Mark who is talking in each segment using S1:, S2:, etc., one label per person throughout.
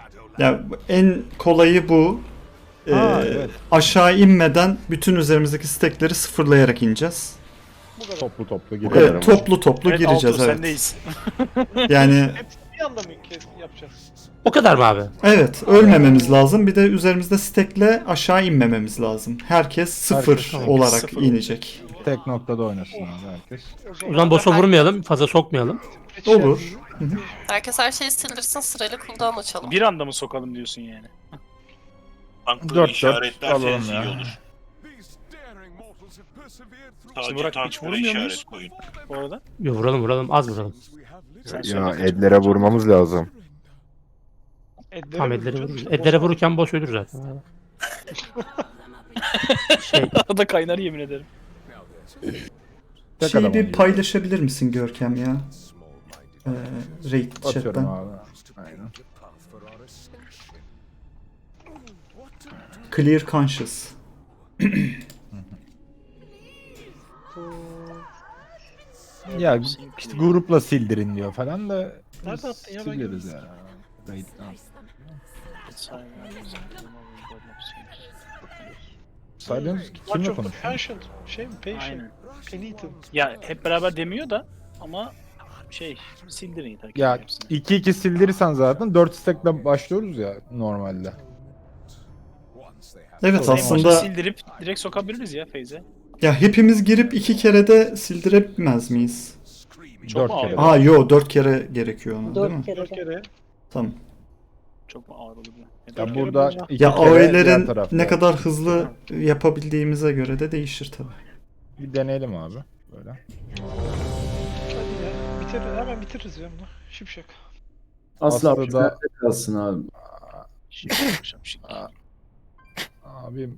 S1: Ya en kolayı bu.
S2: Evet.
S1: Aşağı inmeden bütün üzerimizdeki stekleri sıfırlayarak ineceğiz.
S2: Toplu toplu
S3: kadar
S2: gidelim.
S1: Evet, toplu toplu
S4: Evet,
S1: gireceğiz,
S4: Altuğ,
S1: evet.
S4: sendeyiz.
S1: Yani
S5: Hepsini bir anda mı yapacağız?
S6: O kadar mı abi?
S1: evet, ölmememiz lazım. Bir de üzerimizde stekle aşağı inmememiz lazım. Herkes sıfır
S2: Herkes
S1: olarak
S4: sıfır
S1: inecek.
S2: Tek noktada oynasın abi herkes.
S6: O zaman boss'a vurmayalım, fazla sokmayalım.
S1: Olur.
S7: Herkes her şeyi sildirsin, sırayla cooldown açalım.
S4: Bir anda mı sokalım diyorsun yani?
S3: Tankları
S2: 4-4
S3: işaretlerseniz
S2: alalım
S3: iyi
S2: ya.
S3: olur. Sadece
S4: Burak, hiç
S3: tanklara
S4: vurmuyor muyuz?
S3: işaret koyun.
S4: Bu arada.
S6: Yo, vuralım, az vuralım.
S4: Sen
S2: Ya
S4: söyle.
S2: Edlere vurmamız lazım.
S6: Tam edlere vururuz. Edlere vururken boss ölür zaten. Şey,
S4: Arada kaynar yemin ederim.
S2: Tek
S1: Şeyi
S2: adam
S1: bir
S2: oynuyor.
S1: paylaşabilir misin Görkem ya? Raid
S2: Atıyorum
S1: chat'ten.
S2: abi. Aynen.
S1: Clear Conscious.
S2: Ya işte grupla sildirin diyor falan da
S5: Nerede attın ya, ben
S2: sileriz ya. Raid'den. Silence kimle
S5: March of the
S2: konuşuyor?
S5: Passion. Şey mi? Passion.
S4: Aynen.
S5: Penitent.
S4: Ya hep beraber demiyor da ama sildirin yeter ki
S2: Ya
S4: hepsini.
S2: 2-2 sildirirsen zaten 4 stack'le başlıyoruz ya normalde.
S1: Evet,
S2: Tamam.
S1: aslında
S4: Sildirip direkt sokabiliriz ya Feyze.
S1: ya hepimiz girip 2 kere de sildiremez miyiz?
S4: Çok
S2: 4
S4: mu
S2: kere.
S4: ağır?
S1: Aa yo, 4 kere gerekiyor ona, değil mi?
S5: 4 kere.
S1: Tamam.
S4: Çok mu ağır olur ya?
S2: Ya
S5: kere
S2: burada
S5: bulacağım.
S2: 2
S1: Ya
S2: kere diğer
S1: AOE'lerin
S2: tarafta.
S1: ne kadar hızlı yapabildiğimize göre de değişir tabii.
S2: Bir deneyelim abi. Böyle.
S5: Hadi ya. Bitirir. Hemen bitiririz ya bunu. Şipşak.
S8: Asla
S2: Aslında da-
S8: kalsın abi.
S4: Şimdi yapacağım şimdi.
S2: Abim.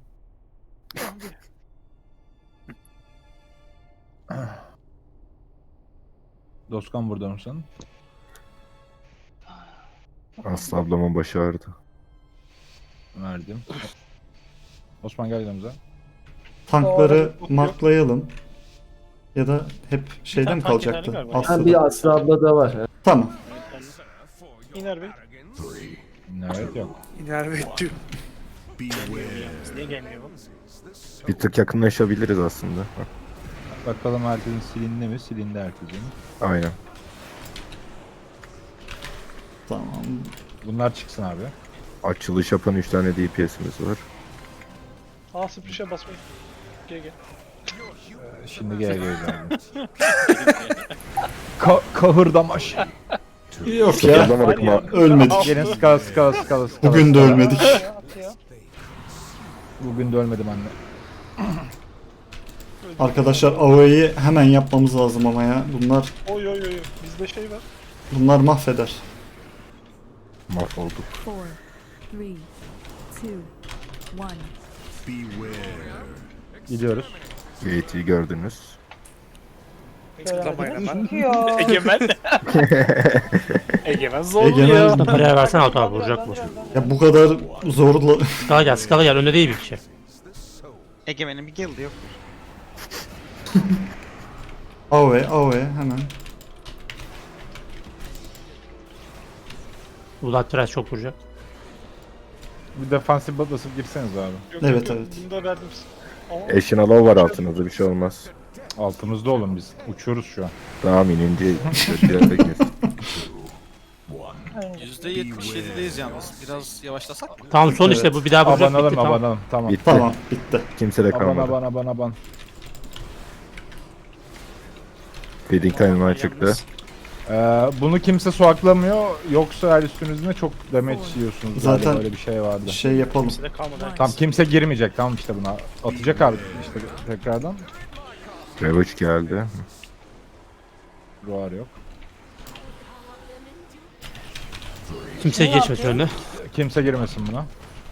S2: Dostkan burada mısın?
S9: Aslı ablamın başı ağrıdı.
S2: Verdim. Osman gel yanımıza.
S1: Tankları marklayalım. Ya da hep şeyde
S4: tane
S1: mi
S4: tank
S1: kalacaktı?
S4: yeterli galiba.
S1: Aslı'da.
S8: Bir Aslı abla da var.
S1: Tamam.
S5: İner Bey.
S2: Evet yok.
S4: Niye gelmiyor bu?
S9: Bir tık yakınlaşabiliriz aslında.
S2: Bakalım herkesin silindi mi? Silindi herkesin.
S9: Aynen.
S1: Tamam.
S2: Bunlar çıksın abi.
S9: Açılış yapan 3 tane DPS'imiz var.
S5: A sprişe basmayın. GG.
S2: Şimdi gel geldi. Kahırdamaş.
S1: Yok ya.
S9: Sıfırlamadık mı?
S1: Ölmedik.
S2: Gelin skala.
S1: Bugün de ölmedik.
S5: At ya.
S2: Bugün de ölmedim anne.
S1: Arkadaşlar AOE'yi hemen yapmamız lazım ama ya.
S5: Oy oy oy. Bizde şey var.
S1: Bunlar mahveder.
S9: Mahvolduk.
S10: 4, 3, 2, 1.
S2: Gidiyoruz.
S9: Gate'i gördünüz.
S4: Egemen. Egemen zor
S1: Egemen-
S4: ya.
S6: paraya versen Altuğ abi vuracak boss.
S1: Ya bu kadar zorla...
S6: Skala gel, önde değil bir kişi.
S11: Egemen'in bir guild'i yok.
S1: AOE hemen.
S6: Ulan Trash çok vuracak.
S2: Bir defansif basıp girseniz abi.
S5: Yok,
S1: Evet,
S5: yok,
S1: evet.
S5: Bunu da verdim. Ama
S9: Eşin alav var altınızda, bir şey olmaz.
S2: Altımızda olun biz. Uçuyoruz şu an.
S9: Tamam, inince kötülerde kes.
S11: %77'deyiz yalnız. Biraz yavaşlasak mı?
S6: Tamam son işte bu bir daha vuracak bitti
S2: Abanalım
S6: tamam.
S2: abanalım. Tamam.
S9: Bitti.
S1: Tamam, bitti.
S9: Kimse de kalmadı.
S2: Aban.
S9: Feeding time'ı çıktı.
S2: Bunu kimse soğaklamıyor. Yoksa her üstünüzde çok damage yiyorsunuz.
S1: Zaten-
S2: Zaten böyle bir şey vardı.
S1: Şey yapalım.
S4: Size kalmadı.
S2: Tamam kimse girmeyecek. Tamam işte buna. Atacak abi işte tekrardan.
S9: Ravage geldi.
S2: Ruar yok.
S6: Kimse geçmesin önüne.
S2: Kimse girmesin buna.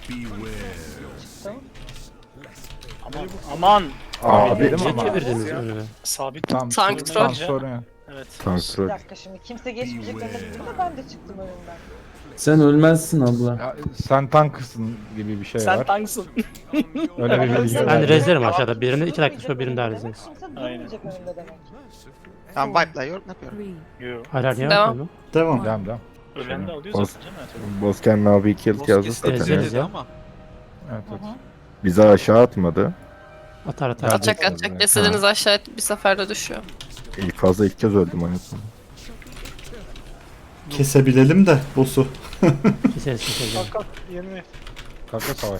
S4: Aman.
S9: Abi,
S2: Dedim
S6: Niye
S2: ama.
S6: çevirdiniz önüne?
S4: Sabit.
S2: Tam,
S7: Tank
S2: tam
S4: troll.
S2: sorun yok.
S4: Evet.
S9: tank
S12: Bir
S9: troll.
S12: dakika şimdi kimse geçmeyecek demek da ben de çıktım önümden.
S8: Sen ölmezsin abla.
S2: Ya, sen tanksın gibi bir şey
S4: Sen
S2: var.
S4: tanksın.
S2: Öyle bir bilgi
S6: Ben
S2: var.
S6: rezlerim aşağıda. Birini 2 dakika sonra birini daha rezleriz.
S12: Kimse
S4: Aynen.
S12: durmayacak önümde demek.
S11: Tamam wipe'la yorum yapıyorum.
S10: 3,
S4: Yo.
S6: Hayır niye
S7: Devam.
S6: yapmıyorum?
S1: Devam.
S2: Devam.
S4: Ölen de alıyor
S9: Boss,
S4: zaten canım.
S9: Bozken abi kill
S11: Boss
S9: yazdı
S11: kesin
S9: zaten.
S6: Evet.
S11: dedi ama.
S2: Evet evet.
S9: Bizi aşağı atmadı.
S6: Atar atar.
S2: Hadi.
S7: Atacak atacak. Cesediniz aşağı bir seferde düşüyor.
S9: İlk kez öldüm anasını.
S1: Kesebilelim de boss'u.
S6: Keseriz keseriz.
S5: Kalk kalk yerine.
S2: Kanka savaş.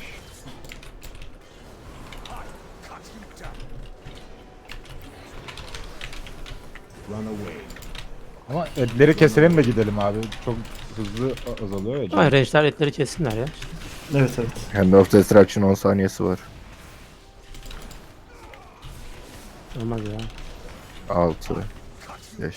S2: Ama etleri keselim de gidelim abi. Çok hızlı azalıyor ya.
S6: Ama range'ler etleri kessinler ya.
S1: Evet evet.
S9: Hand of Destruction 10 saniyesi var.
S6: Olmaz ya.
S9: 6 5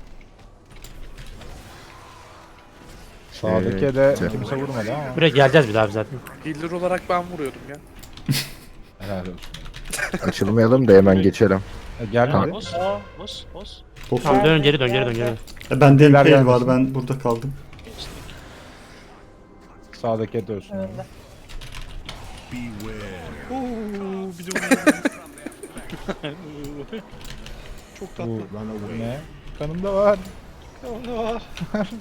S2: Sağdaki de
S9: Şey-
S2: kimse vurmadı ama.
S6: Buraya geleceğiz bir daha biz zaten.
S3: Healer olarak ben vuruyordum ya.
S2: Helal olsun.
S9: Açılmayalım da hemen geçelim.
S2: Gelmedi.
S4: Boss. Boss. Boss.
S1: Boss'u.
S6: Tamam dön geri dön geri dön geri.
S1: Bende
S2: Beyler
S1: impale var,
S2: gelmesin.
S1: ben burada kaldım.
S4: Geçtik.
S2: Sağdaki et ölsün.
S12: Önünde.
S5: Uuu bir de Çok tatlı.
S2: Bu ne? Kanımda var.
S5: O ne var?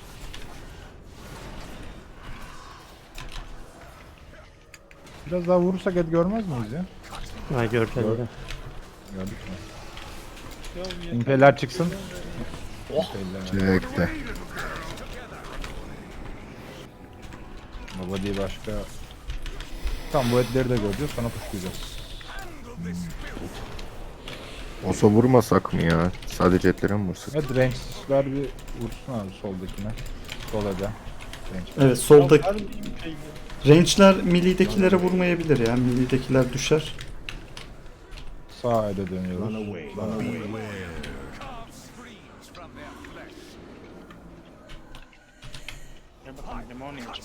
S2: Biraz daha vurursak et görmez miyiz ya?
S6: Ha göreceğiz bir de.
S2: Gördük mü?
S5: Ya yeter.
S2: İmpeller çıksın.
S4: Oh.
S2: İmpeller.
S9: Çekti.
S2: Baba değil başka. Tamam bu etleri de göreceğiz sonra puşlayacağız.
S9: Osa vurmasak mı ya? Sadece etlere mi vursak?
S2: Evet range'ler bir vursun abi soldakine. Sol ede. Range.
S1: Evet, soldaki
S5: Ya, her-
S1: range'ler milli'dekilere vurmayabilir ya. Milli'dekiler düşer.
S2: Sağ ede dönüyoruz.
S4: Gel bakalım limon yiyeceğim.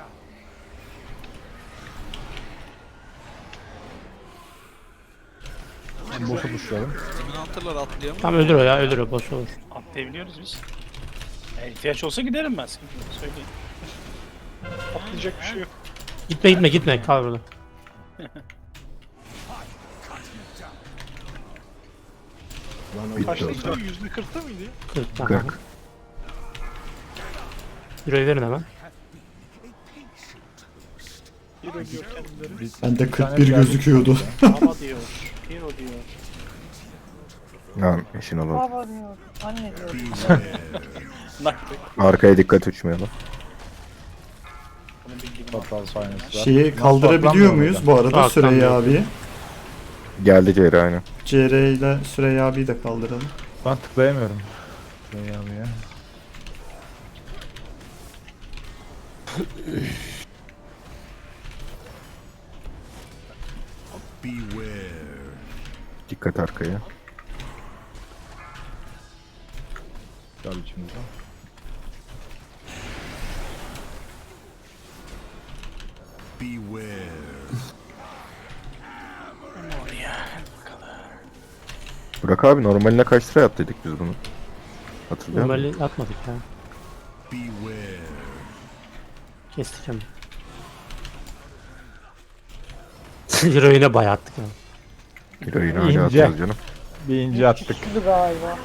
S2: Boss'u puşlayalım.
S11: Dominantırlar atlayamıyor.
S6: Tamam öldür o ya öldür o boş olur.
S4: Atlayabiliyoruz biz. İhtiyaç olsa giderim ben. Sıkıntı yok, söyleyeyim.
S5: Atlayacak bir şey yok.
S6: Gitme kal burada.
S9: Bitti
S5: Kaçtı
S9: Osa.
S5: %40'ta mıydı?
S6: 40 tamam.
S9: 40.
S6: Euro'yu verin hemen.
S5: Hero diyor kendileri.
S1: Bende
S2: Bir tane
S1: 41
S2: geldi.
S1: gözüküyordu.
S4: Ama diyor. Hero diyor.
S9: Lan işin alalım.
S12: Baba diyor. Anne diyor.
S4: Nakti.
S9: Arkaya dikkat uçmayalım.
S4: Bunun bildiğim
S2: Fatal sahnesi var.
S1: Şeyi
S2: Nasıl
S1: kaldırabiliyor
S2: atlanmıyor
S1: muyuz
S2: orada?
S1: bu arada
S6: Atlanmıyor.
S1: Süreyya abi?
S9: Geldi Ceyra aynı.
S1: CR ile Süreyya abiyi de kaldıralım.
S2: Ben tıklayamıyorum. Şey abi ya.
S9: Dikkat arkaya.
S2: Gel içimize.
S9: Burak abi normaline kaç liraya attıydık biz bunu? Hatırlıyor musun?
S6: Normali atmadık ya. Kestik hemen. Euro yine bayağı attık ya.
S9: Heroin hala
S2: İnce.
S9: atıyoruz canım.
S2: Bir ince attık.
S12: Güçlü galiba.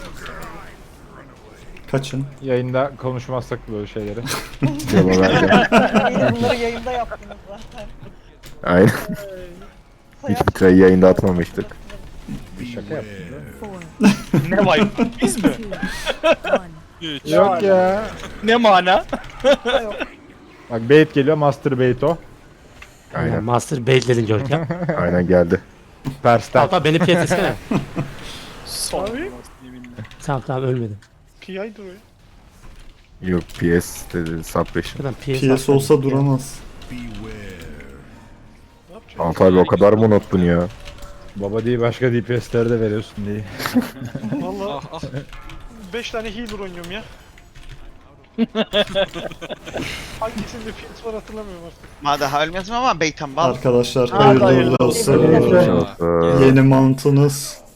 S1: Kaçın.
S2: Yayında konuşmazsak böyle şeyleri.
S9: Cevap vereceğim.
S12: Yine bunları yayında yaptınız zaten.
S9: Aynen. Hiçbir trayı yayında atmamıştık.
S2: Bir şaka yaptım değil mi?
S10: 4,
S4: Ne var? Biz mi?
S10: 2, 1.
S2: Yok ya.
S4: Ne mana?
S2: Bak bait geliyor master bait o.
S6: Yani
S9: Aynen.
S6: Master baitledin Görkem.
S9: Aynen geldi.
S2: Tersten.
S6: Hatta beni piyet etsene.
S4: Son.
S5: Abi.
S4: Yeminle.
S6: Tamam ölmedim.
S5: PI'dir o ya.
S9: Yok PS dedi suppression.
S6: Buradan PS,
S1: PS
S6: atsana.
S1: olsa duramaz.
S5: Ne yapacağız?
S9: Alt abi o kadar mı unuttun ya?
S2: Baba değil başka DPS'leri de veriyorsun diye.
S5: Valla
S11: Ah ah.
S5: 5 tane healer oynuyorum ya. Hangisinde fiyat var hatırlamıyorum artık.
S3: Ma daha ölmezim ama beytan bal.
S1: Arkadaşlar
S12: Aa,
S1: hayırlı
S12: hayırlı
S1: uğurlu olsun.
S12: olsun.
S9: Çok,
S1: Yeni mount'unuz